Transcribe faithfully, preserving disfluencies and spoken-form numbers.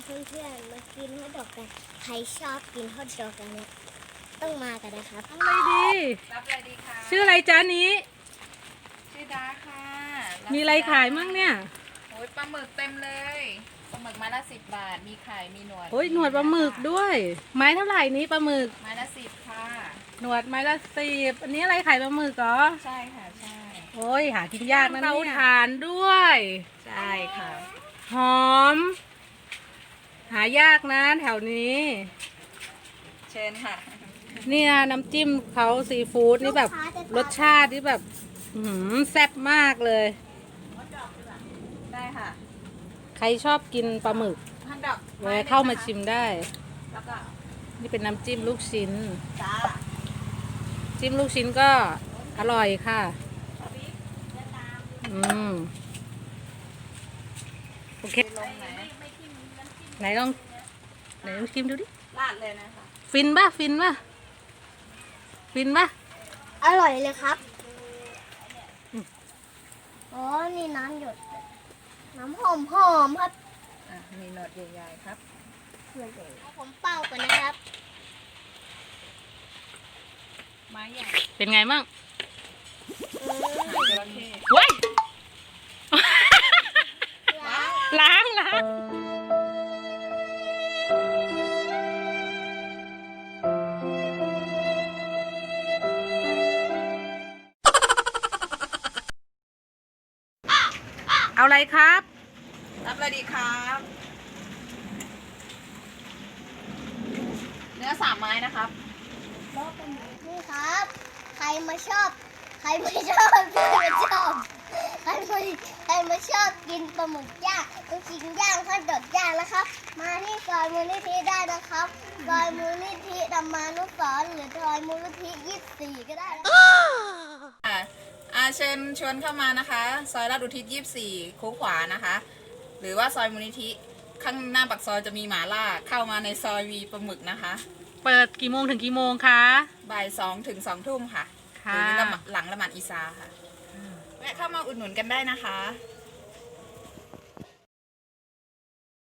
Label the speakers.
Speaker 1: เพื่อนๆมากินฮอทดอกกันใครชอบกินฮอทดอกกันเนี่ยต้องมากันนะครับ
Speaker 2: อะไรดี
Speaker 3: รับอะไรดีคะ
Speaker 2: ชื่ออะไรจ้านี้
Speaker 3: ชื่อดาค่ะบ
Speaker 2: มีอะไรขายมั่งเนี่ย
Speaker 3: โอ้ยปลาหมึกเต็มเลยปลาหมึกไม้ละสิบบาทมีไข่มีหนวด
Speaker 2: โอ้ยหนวดปลาหมึกด้วย ไม้เท่าไหร่นี้ปลาหมึก
Speaker 3: ไม้ละสิบค่ะ
Speaker 2: หนวดไม้ละสิบอันนี้อะไรขายปลาหมึกเหรอ
Speaker 3: ใช่ค่ะใช่
Speaker 2: โอ้ยหากินยากนะเนี่ยเตาถ่านด้วย
Speaker 3: ใช่ค่ะ
Speaker 2: หอม หายากนะแถวนี้
Speaker 3: เชิญค่ะ
Speaker 2: เนี่ยน้ำจิ้มเขาซีฟู้ดนี่แบบรสชาตินี่แบบอื้อหือแซ่บมากเลย
Speaker 3: ได้ค่ะ
Speaker 2: ใครชอบกินปลาหมึก
Speaker 3: ฮันดอก
Speaker 2: แวะเข้ามาชิมได้
Speaker 3: แล้วก็
Speaker 2: นี่เป็นน้ำจิ้มลูกชิ้น
Speaker 3: จ้า
Speaker 2: จิ้มลูกชิ้นก็อร่อยค่ะ อืม โอเค
Speaker 3: ลงไหน
Speaker 2: ไหนลอง ไหนลองชิมดูดิ
Speaker 3: ลาดเลยนะคะ
Speaker 2: ฟินป่ะ ฟินป่ะ ฟินป่ะ
Speaker 1: อร่อยเลยครับอ๋อนี่น้ำหยดน้ำหอมหอมๆครับ
Speaker 3: อ่ะมีหนวดใหญ่ๆครับ
Speaker 1: ผมเป่ากันนะครับ
Speaker 3: ไม้ใหญ่
Speaker 2: เป็นไงมั่ง
Speaker 1: อืม
Speaker 3: หางจระเข้
Speaker 2: เว้ย
Speaker 1: ล้าง
Speaker 2: ล้างล้างเอาอะไรครับ
Speaker 3: รับอะไรดีครับ เนื้อสามไม้นะครับ
Speaker 1: นี่ครับ ใครมาชอบ ใครไม่ชอบใครไม่ชอบ ใครไม่ใครไม่ชอบกินปลาหมึกย่างลูกชิ้นย่างฮอทดอกย่างนะครับ มาที่ซอยมูลนิธิได้นะครับซอยมูลนิธิธรรมานุสรณ์หรือซอยมูลนิธิยี่สิบสี่ก็ได้นะ
Speaker 3: อ่าอาเชิญชวนเข้ามานะคะ ซอยลาดอุทิศยี่สิบสี่โค้งขวานะคะ หรือว่าซอยมูลนิธิข้างหน้าปากซอยจะมีหมาล่าเข้ามาในซอยวีปลาหมึกนะคะ
Speaker 2: เปิดกี่โมงถึงกี่โมงคะ
Speaker 3: บ่ายสองถึงสองทุ่มค่ะห
Speaker 2: ค่ะ
Speaker 3: รือละหมาดหลังละหมาดอีซาค่ะแวะเข้ามาอุดหนุนกันได้นะคะ
Speaker 2: ค